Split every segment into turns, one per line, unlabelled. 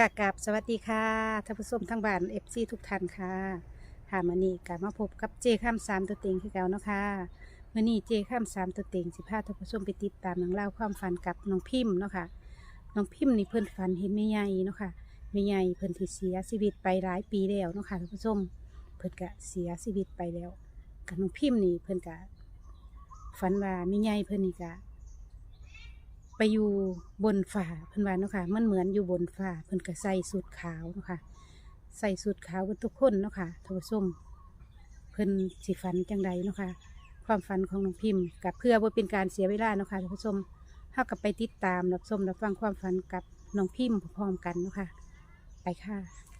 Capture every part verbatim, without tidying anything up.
ค่ะกับสวัสดีค่ะท่านผู้ชมทั้งบ้านเอฟซีทุกท่านค่ะค่ะมื่อนี้กลับมาพบกับเจข้ามสามตัวเต็งคือเก่าเนาะค่ะมื่อนี้เจข้ามสามตัวเต็งสิพาท่านผู้ชมไปติดตามหนังเล่องราวความฝันกับน้องพิมพ์เนาะค่ะน้องพิมพ์นี่เพิ่นฝันเห็นแม่ใหญ่เนาะค่ะแม่ใหญ่เพิ่นที่เสียชีวิตไปหลายปีแล้วเนาะค่ะท่านผู้ชมเพิ่นกะเสียชีวิตไปแล้วกับน้องพิมพ์นี่เพิ่นกะฝันว่าแม่ใหญ่เพิ่นนี่กะ ไปอยู่บนฝ่าเพิ่นว่าเนาะค่ะมันเหมือนอยู่บนฝ่าเพิ่นก็ใส่สูทขาวเนาะค่ะใส่สูทขาวกันทุกคนเนาะค่ะท่านผู้ชมเพิ่นสิฝันจังใดเนาะค่ะความฝันของน้องพิมพ์กับเพื่อบ่เป็นการเสียเวลาเนาะค่ะท่านผู้ชมเฮากับไปติดตามรับชมรับฟังความฝันกับน้องพิมพ์พร้อมๆกันเนาะค่ะไปค่ะ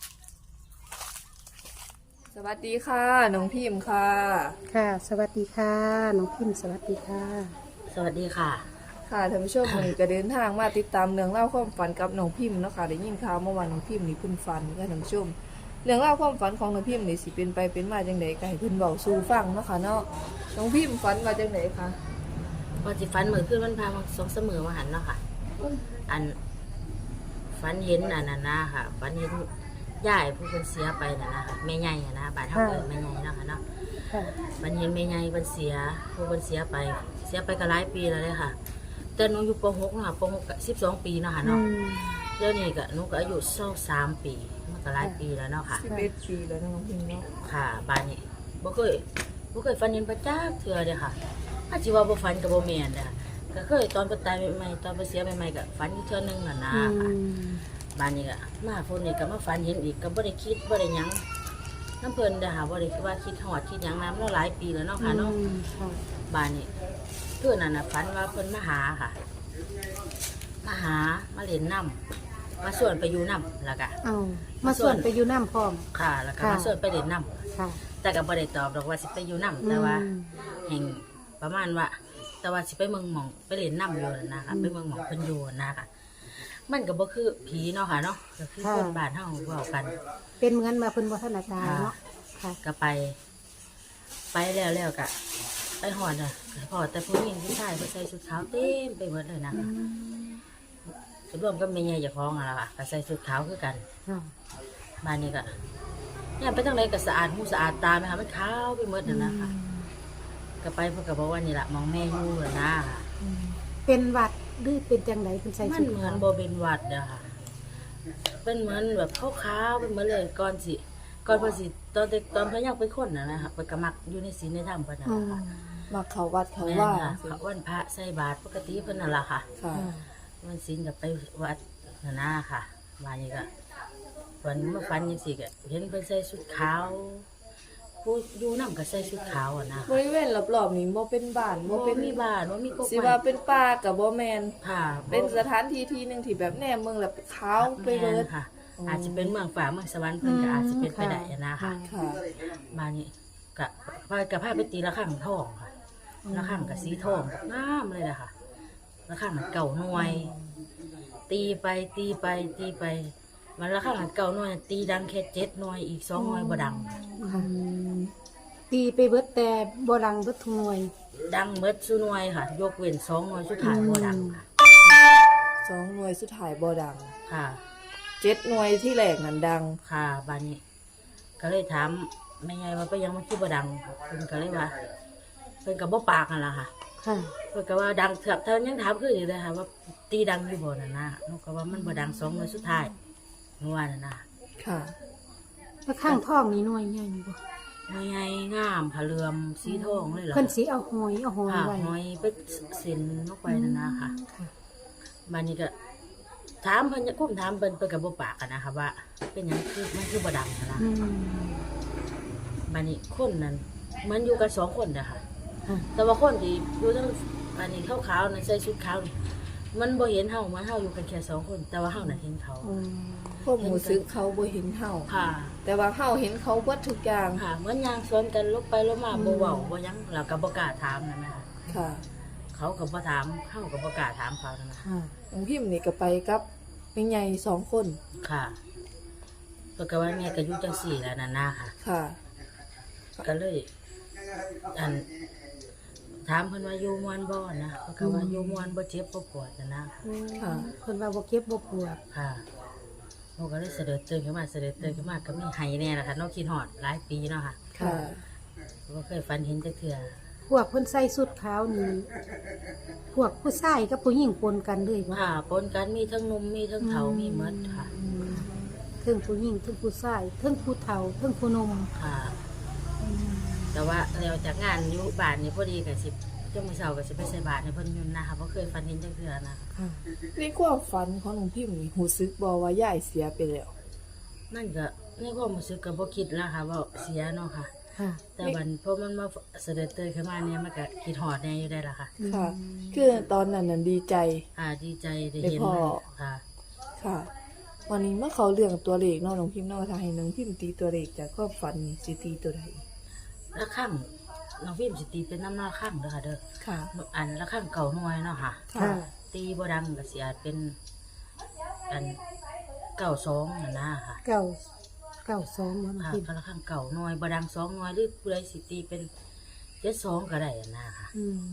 สวัสดีค่ะน้องพิมพ์ค่ะ
ค่ะ สวัสดีค่ะน้องพิมพ์สวัสดีค่ะ
สวัสดีค่ะ
ค่ะท่านผู้ชมวันนี้ก็เดินทางมาติดตามเรื่องเล่าวความฝันกับน้องพิมพ์เนาะค่ะได้ยินข่าวเมื่อวานน้องพิมพ์นี่เพิ่นฝันค่ะท่านผู้ชมเรื่องเล่าวความฝันของน้องพิมพ์นี่สิเป็นไปเป็นมาจังไดก็ให้เพิ่นเว้าสู่ฟังเนาะค่ะเนาะน้องพิมพ์ฝันว่าจังไดคะ
วันที่ฟันมือขึ้นมันพามาสองเสมอมาหันเนาะค่ะ อันฟันเห็นอันนั้นนะค่ะฟันเห็นย่ายผู้คนเสียไปน่ะนะคะแม่ใหญ่อะนะบ้านเฮาเกิดแม่ใหญ่เนาะค่ะเนาะ
ค่ะ
มันเห็นแม่ใหญ่เพิ่นเสียผู้คนเสียไป เสียไปก็หลายปีแล้วเลยค่ะแต่หนูอยู่ป .หก เนาะค่ะป .หก ก็สิบสองปีเนาะค่ะ
อื
เนาะ
ม
เดี๋ยวนี้ก็หนูก็อายุเศร้าสามปีมันก็หลายปีแล้วเนาะค่ะ
สิบเอ็ดปีแล้วน้องพิมพ์เนาะ
ค่ะบ้านนี้บ่เคยบ่เคยฝันเห็นพระเจ้าเทื่อเด้อค่ะอาจสิว่าบ่ฝันก็บ่แม่นเด้อก็เคยตอนเพิ่นตายใหม่ๆตอนเพิ่นเสียใหม่ๆก็ฝันอยู่เทื่อนึงน่ะนะ
อื
ค่ะ
ม
บ้านนี้ก็มาพุ่นนี่ก็มาฝันเห็นอีกก็บ่ได้คิดบ่ได้หยังน้ำเพิ่นเด้อค่ะบ่ได้คิดว่าคิดฮอดคิดหยังนำแล้วหลายปีแล้วเนาะค่ะเนาะ
อืมค่ะ
บ้านนี้เพื่อนนั่นน่ะฝันว่าเพิ่นมาหาค่ะมาหามาเล่นน้ำมาชวนไปอยู่น้ำแล้วก็
เอามาส่วนไปอยู่น้ำพร้อม
ค่ะแล้วก็
ค่ะ
มาชวนไปเล่นน้ำ
ค่ะ
แต่ก็บ่ได้ตอบดอกว่าสิไปอยู่น้ำแต่ว่า
อืม
แห่งประมาณว่า แต่ว่าสิไปเมืองหมองไปเล่นน้ำอยู่นั่นนะคะ
อืม
ไปเมืองหมองเพิ่นอยู่นะคะมันก็บ่คือผีเนาะค่ะเนาะก็คือ
ค่ะ
คนบ้านเฮาเว้ากัน
เป็นเหมือนมาเพิ่นวัฒนาการเนาะค่ะ
ก็ไป ไปแล้วแล้วก็ไปหอดอ่ะพอแต่ผู้หญิงผู้ชายเขาใส่ชุดขาวเต็มไปหมดเลยนะคะรวมก็ไม่ใหญ่จะคล้องอะล่ะค่ะก็ใส่ชุดขาวคือกัน
ค่ะ
บ้านนี้ก็เนี่ยไปทางไหนก็สะอาดหูสะอาดตาไหมคะมันขาวไปหมดน่ะนะคะก็ไปเพื่อก็บอกว่านี่แหละมองแม่อยู่เลยนะ
อืมเป็นหวัดหรือเป็นจังไดเพิ่นใส่
มั
ชุ
น
ด
เหมือ
ขาน ว
โบเป็นหวัดอะค่ะเป็นเหมือนแบบขาวๆเป็นเหมือนเลยก่อนสิก่อนพอสิตอนเด็กตอนพยังเป็นคนนะนะคะไปกระมักอยู่ในศีลในธรรมเพิ่นน่ะ
อื
ล่ะ
ม
ค่ะ
มาเขาวัดเขา
แม่น
ว่า
ค่ะเขาวันพระใส่บาตรปกติเพิ่นน่ะล่ะค่ะ
ค่ะ
ค่ะ
วันศีลกับไปวัดน่ะนะค่ะวันนี้ก็วันมาฟันยังสิก็เห็นเพิ่นใส่ชุดขาวผู้อยู่นำก็ใส่ชุดขาวอ่ะนะ
บริเวณรอบๆนี้บ่เป็นบ้านบ่
บ่
เป็
เป็น นมีบ้านบ่มีกก
สิว่าเป็นป่ากับบ่แม่น
ค่ะ
เป็นสถานที่ที่หนึงที่แบบแนมเมืองแล้วขาวไปเบิด
แม่นค่ะ อาจจะเป็นเมืองฝ่าเมืองสวรรค์เพิ่นก็อาจจะเป็นไปได้นะค่ะ
ค่ะ
มานี่กะพายกับพาไปตีละข้างทองค่ะละข้างกับสีทองงามเลยนะคะละข้างมันเก่าหน่วย ตีไปตีไปตีไปมันละข้างมันเก่าหน่วย ตีดังแค่เจ็ดหน่วยอีกสองหน่วยบ่ดัง
ค่ะตีไปเบิดแต่บ่ดังเบิดทุกหน่วย
ดังเมดสุหน่วยค่ะ ยกเว้นสองหน่วยสุดท้ายบ่ดังค่ะ
สองหน่วยสุดท้ายบ่ดัง
ค่ะ
เจ็ดหน่วยที่แรกนั่นดัง
ค่ะบานนี้ ก็เลยถามไม่ไงว่าไปยังมันคือบ่ดังเพิ่นก็เลยว่าเพิ่นก็บ่ปากนั่นล่ะค่ะ
ค่ะ
เพิ่นก็ว่าดังเถือกเท่ายังถามคืออยู่เลยค่ะว่าตีดังอยู่บ่น่ะนะหนูก็ว่ามันบ่ดังสองหน่วยสุดท้ายหนูว่าน่ะนะ
ค่ะ
แล้วข้างท้องนี่หน่วยใหญ่บ่
ไม่ไงงามผาเหลือมสีทองเลยเหรอ
เพิ่นสิเอาหอยเอาหอย
ค่ะ
ไว้
หอยไปเส้นลงไปน่ะนะค่ะ
ค่ะ
บานนี้ก็ถามเพิ่นคุ้มถามเพิ่นเพิ่นก็บ่ปากกันนะคะว่า เป็นหยังคือมันคือบ่ดังน่ะนะ
อืม
บานนี้คนนั้นมันอยู่กันสองคนน่ะค่ะ
ค่ะ
แต่ว่าคนที่อยู่ทั้งอันนี้ขาวๆนั่นใส่ชุดขาวนี่มันบ่เห็นเฮามันเฮาอยู่กันแค่สองคน แต่ว่าเฮาน่ะเห็นเขา
อืม
พวกหมูซึกเขาบ่เห็นเฮา
ค่ะ
แต่ว่าเฮาเห็นเขาเบิดทุกอย่าง
ค่ะเหมือนยางสวนกันลบไปลบมาบ่เว้าบ่หยังแล้วก็บ่กล้าถามนั่นนะคะ
ค่ะ
เขาก็บ่ถามเฮาก็บ่กล้าถามเขานั่นนะ
ค่ะ
น้องพิมพ์นี่ก็ไปกับแม่ใหญ่สองคน
ค่ะเพิ่นก็ว่าแม่ก็อยู่จังซี่แหล้วนั่นนะค่ะ
ค่ะ
ก็เลยอันถามเพิ่นว่าอยู่ม่วนบ่นะเพิ่นก็ว่าอยู่ม่วนบ่เจ็บบ่ปวดนั่นนะ
อืม
ค่ะ
เพิ่นว่าบ่เก็บบ่ปวด
ค่ะวนูก็เลยเสด็จตื่นขึ้นมาเสด็จตื่นขึ้นมาก็มีไห้แน่ละค่ะน้องคิดฮอดหลายปีเนาะค่ะ
ค่ะ
บ่เคยฝันเห็นจักเทื่อ
พวกเพิ่นใส่สุดขาวนี่พวกผู้ชายกับผู้หญิงปนกันเลยว่า
ค่ะปนกันมีทั้งหนุ่มมีทั้งเฒ่ามีหมดค่ะ
เทิงผู้หญิงเทิงผู้ชายเทิงผู้เฒ่าเทิงผู้หนุ่ม
ค่ะ แต่ว่าแล้วจากงานอยู่บ้านนี่พอดีก็สิจังมื้อเช้าก็สิไปใส่บาตรให้เพิ่นอยู่นะคะบ่เคยฝันเห็นจักเทื่อนะ
ค่ะในความฝันของน้องพิมพ์นี่รู้สึกบ่ว่ายายเสียไปแล้ว
นั่นก็ในความรู้สึกก็บ่คิดแล้วค่ะว่าเสียเนาะค่ะ
ค่ะ
แต่บัดพอมันมาเสด็จเตยขึ้นมาเนี่ยมันก็คิดฮอดแน่อยู่ได้ล่ะค่ะ
ค่ะ คือตอนนั้นน่ะดีใจ
อ่าดีใจได้
ได้
เห็น
พ่อ
ค่ะ
ค่ะ วันนี้เมื่อเขาเรื่องตัวเลขเนาะน้องพิมพ์เนาะถ้าให้น้องพิมพ์ตีตัวเลขจากความฝันนี่สิตีตัวใด
ละข้างน้องพิมสิตีเป็นน้ำหน้าข้างเด้อค่ะเด้อ
ค่ะ
อันละข้างเก่าหน่วยเนาะค่ะ
ค่ะ
ตีบ่ดังก็สิอาจเป็นอันเก่าสองนั่นนะค่ะ
เก่าเก่าสองมัน
ค่ะ
พิม
ก็ละข้างเก่าหน่วยบ่ดังสองหน่วยหรือผู้ใดสิตีเป็นเจ็ดสองก็ได้อันนะค่ะ
อืม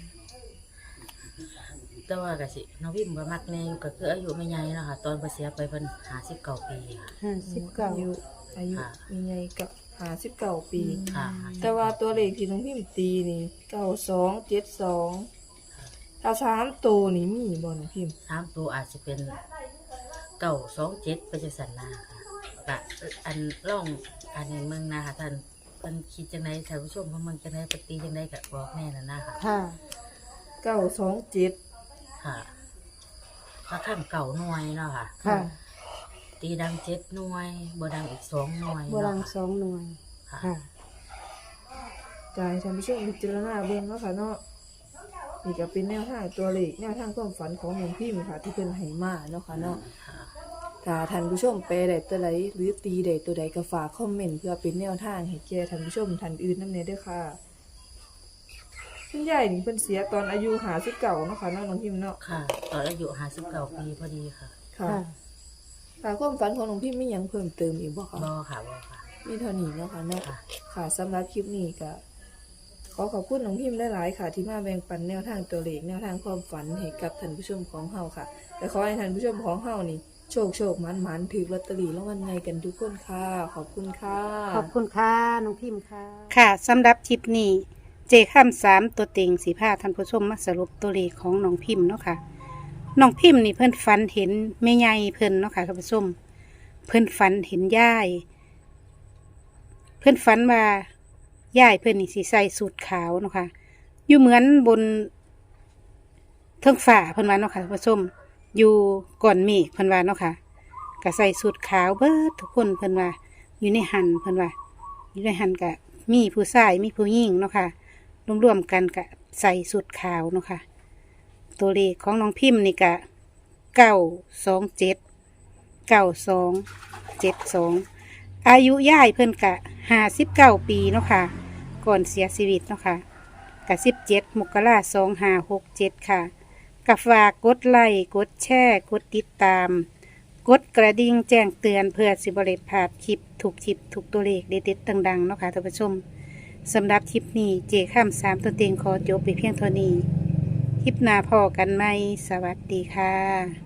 แต่ว่าก็สิน้องพิมบ่มักแน่อยู่ก็คืออายุไม่ใหญ่เนาะค่ะตอนเพิ่นเสียไปเพิ่นห้าสิบเก้าปีค่ะ
ห้าสิบเก้า
อายุอายุ
ค่ะ
มีไงกับหาสิบเก้าปี
ค่ะ
แต่ว่าตัวเลขที่น้องพิมพ์ตีนี่เก้าสองเจ็ดสองถ้าสามตัวนี่มีบ่น้องพิมพ์
สามตัวอาจจะเป็นเก่าสองเจ็ดไปจังสันนาค่ะก็อันร่องอันนี้เมืองนาค่ะท่านเพิ่นคิดจังไดท่านผู้ชมเพิ่นเมืองจังไดปฏิจังไดก็บอกแน่น่ะนะค่ะ
ค่ะ
เก้าสองเจ็ด
ค่ะถ้าข้ามเก่าหน่วยเนาะค่ะ
ค่ะ
ตีดังเจ็ดหน่วยบ่ดังอีกสองหน่วย
โบราณ
เนาะ
สองหน่วย
ค่ะ
ค่ะ
จ่ายท่านผู้ชมพิจารณาเบิ่งเนาะค่ะเนาะนี่ก็เป็นแนวทางตัวเลขแนวทางความฝันของน้องพิมพ์ค่ะ ที่เพิ่นให้มาเนาะค่ะเนาะ
ค่ะ
ถ้าท่านผู้ชมแปลได้ตัวใดหรือตีได้ตัวใดก็ฝากคอมเมนต์เพื่อเป็นแนวทางให้แก่ท่านผู้ชมท่านอื่นนำแน่เด้อค่ะคุณยายนี่เพิ่นเสียตอนอายุห้าสิบเก้าเนาะค่ะเนาะน้องพิมพ์เนาะ
ค่ะตอนอายุห้าสิบเก้าปีพอดีค่ะ
ค่ะ
ค่ะ
ค่ะความฝันของน้องพิมพ์มีหยังเพิ่มเติมอีกบ่คะ
บ่ค่ะบ่ค่ะ
มีเท่านี้เนาะค่ะเนาะ
ค่ะ
ค่ะสำหรับคลิปนี้ก็ขอขอบคุณน้องพิมพ์หลายๆค่ะ ที่มาแบ่งปันแนวทางตัวเลขแนวทางความฝันให้กับท่านผู้ชมของเฮาค่ะและขอให้ท่านผู้ชมของเฮานี่โชคโชคมันมันถือลอตเตอรี่รางวัลใหญ่กันทุกคนค่ะ ขอบคุณค่ะ
ขอบคุณค่ะน้องพิมพ์ค่ะ ค่ะสำหรับคลิปนี้ เจข้ามสามตัวเต็งสีผ้าท่านผู้ชมมาสรุปตัวเลขของน้องพิมพ์เนาะค่ะน้องพิมพ์นี่เพิ่นฝันเห็นแม่ใหญ่เพิ่นเนาะค่ะท่านผู้ชมเพิ่นฝันเห็นยายเพิ่นฝันว่ายายเพิ่นนี่สีใส่สูทขาวเนาะค่ะอยู่เหมือนบนเทิงฝ่าเพิ่นว่าเนาะค่ะท่านผู้ชมอยู่ก่อนเมฆเพิ่นว่าเนาะค่ะก็ใส่สูทขาวเบิดทุกคนเพิ่นว่าอยู่ในหันเพิ่นว่าอยู่ในหันกะมีผู้ชายมีผู้หญิงเนาะค่ะรวมๆกันกะใส่สูทขาวเนาะค่ะตัวเลขของน้องพิมพ์นี่กะเก้าสองเจ็ดเก้าสองเจ็ดสองอายุย่ายเพิ่นกะห้าสิบเก้าปีเนาะค่ะก่อนเสียชีวิตเนาะค่ะกะสิบเจ็ดมกราสองห้าหกเจ็ดค่ะกะฝากกดไลค์กดแชร์กดติดตาม กดกระดิ่งแจ้งเตือนเพื่อสิบริพลาดคลิปถูกคลิปถูกตัวเลขเด็ดๆดังๆเนาะค่ะท่านผู้ชมสำหรับคลิปนี้เจข้ามสามตัวเต็งขอจบไปเพียงเท่านี้ คลิปหน้าพอกันไหมสวัสดีค่ะ